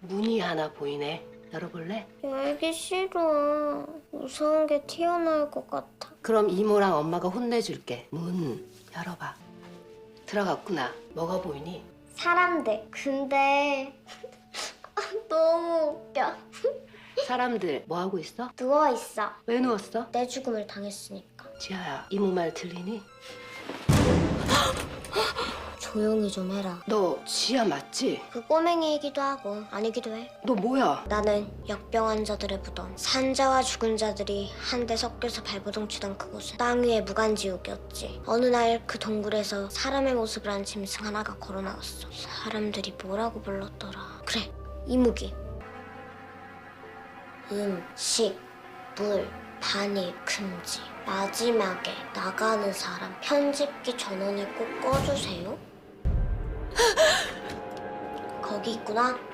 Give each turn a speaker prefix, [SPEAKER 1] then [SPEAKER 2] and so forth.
[SPEAKER 1] 문이 하나 보이네. 열어볼래?
[SPEAKER 2] 열기 싫어. 무서운 게 튀어나올 것 같아.
[SPEAKER 1] 그럼 이모랑 엄마가 혼내줄게. 문 열어봐. 들어갔구나. 뭐가 보이니?
[SPEAKER 2] 사람들. 근데 너무 웃겨.
[SPEAKER 1] 사람들 뭐 하고 있어?
[SPEAKER 2] 누워있어.
[SPEAKER 1] 왜 누웠어?
[SPEAKER 2] 내 죽음을 당했으니까.
[SPEAKER 1] 지아야, 이모 말 들리니?
[SPEAKER 2] 조용히 좀 해라.
[SPEAKER 1] 너 지아 맞지?
[SPEAKER 2] 그 꼬맹이이기도 하고 아니기도 해.
[SPEAKER 1] 너 뭐야?
[SPEAKER 2] 나는 역병 환자들의 무덤, 산자와 죽은 자들이 한데 섞여서 발버둥 치던 그곳은 땅 위의 무간지옥이었지. 어느 날 그 동굴에서 사람의 모습을 한 짐승 하나가 걸어 나왔어. 사람들이 뭐라고 불렀더라. 그래, 이무기. 식, 물, 반입 금지. 마지막에 나가는 사람 편집기 전원을 꼭 꺼주세요. 거기 있구나.